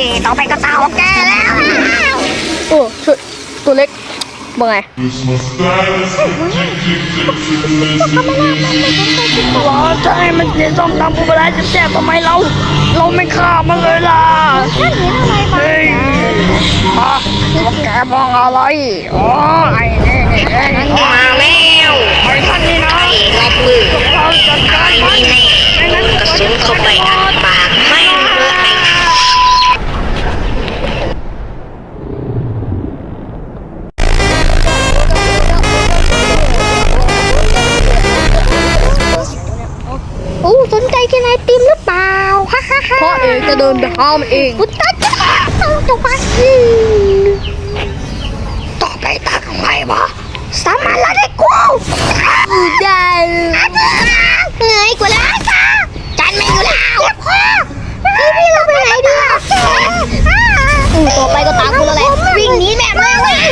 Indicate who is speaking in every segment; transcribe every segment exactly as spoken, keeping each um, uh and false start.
Speaker 1: ต่อไปก็ตาของแกแล้ว
Speaker 2: โอ้ช่วยตัวเล็กว่าไงว้าใช่มันจะต้องทำบุญอะไรแซ่บๆทำไมเราเราไม่ฆ่ามันเลยล่ะเฮ้ยมาแกมองอะไรอ๋อไอ้นี่นี่เอง
Speaker 1: มาแล้ว
Speaker 2: ไอ้ท่านนี่นะ
Speaker 1: ไอ้รับมือ
Speaker 2: เราจัดการมัน
Speaker 1: นี่แน่กระสุนเข้าไปอัดปากไม่เลยไอ้
Speaker 3: โอ้สนใจกินไอติมหรือเปล่าฮ่าฮ่าฮ่า
Speaker 2: พ่อเองจะเดินไปห้ามเอง
Speaker 3: พุทธเจ้าเอาจะมา
Speaker 1: ต่อไปตาของใครวะ
Speaker 3: สามัญละได้กูได้เหนื่อยกว่าแล้วจ้า
Speaker 1: จันไม่อยู่แล้ว
Speaker 3: เจ็บคอพี่พี่เราไปไหนดีอ่ะอืมต่อไปก็ตามกูแล้วแหละวิ่งหนีแม่มาเว้ย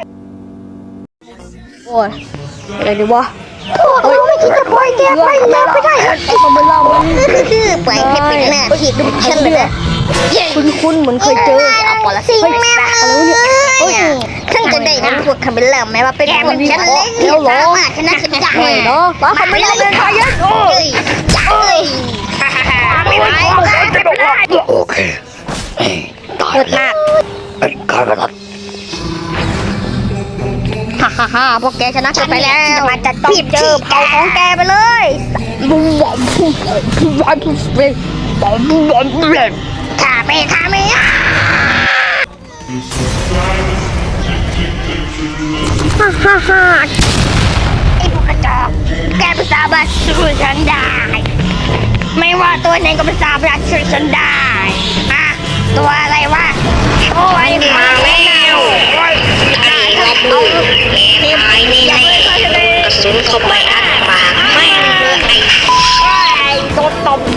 Speaker 2: โอ้ยอะไรดีวะ
Speaker 3: พวกเราไม่คิดจะปล่อยแกไปแล้วไม่ได้
Speaker 2: ทำไมเรามัน
Speaker 3: ปล่อยให้เป็นหน้าที่ดุฉันเลยนะ
Speaker 2: คุ้นๆเหมือนเคยเจอ
Speaker 3: เอาปอละสิงแม่เฮ้ยฉันจะได้เป็นพวกคาเมล่าไหมว่าเป็นพวกฉันเล่นที่สามารถชนะฉันได้
Speaker 2: ไม่เนาะป้าเขาไม่ได้เป็นใครยันโอ้
Speaker 3: เฮ้ยเฮ้ยไม่ไหว
Speaker 1: โอเคตาย
Speaker 3: หมดมาก
Speaker 1: ไอ้ข้าพเจ้า
Speaker 3: ฮ่าฮ่าฮ่าพวกแกชนะฉันไปแล้วมันจะต้องเจอเผาของแกไปเลย
Speaker 2: บุ้มบุ้มบุ้มบุ้มบุ้มบุ้มบุ้มบุ้มบุ้มบุ้ม
Speaker 3: ข้าไปข้าไม่ฮ่าฮ่าฮ่าไอ้พวกกระจอกแกไม่สามารถสู้ฉันได้ไม่ว่าตัวไหนก็ไม่สามารถช่วยฉันได้อะตัวอะไรวะโอ้ย
Speaker 1: มาแล้วไอ้รับมือแกตายนี่แน่กระสุนเข้าไปอัดปากไม่เลยไอ้
Speaker 3: โดนตบ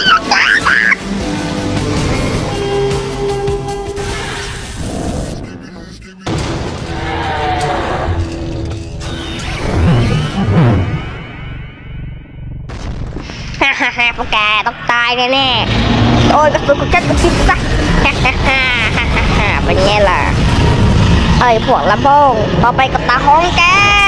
Speaker 3: ฮ่าฮ่าฮ่าพวกแกต้องตายแน่ๆโอ้ยกระสุนของฉันก็คิดซะฮ่าฮ่าฮ่าฮ่าฮ่าเป็นไงล่ะไอ้พวกลำโพงต่อไปกับตาของแก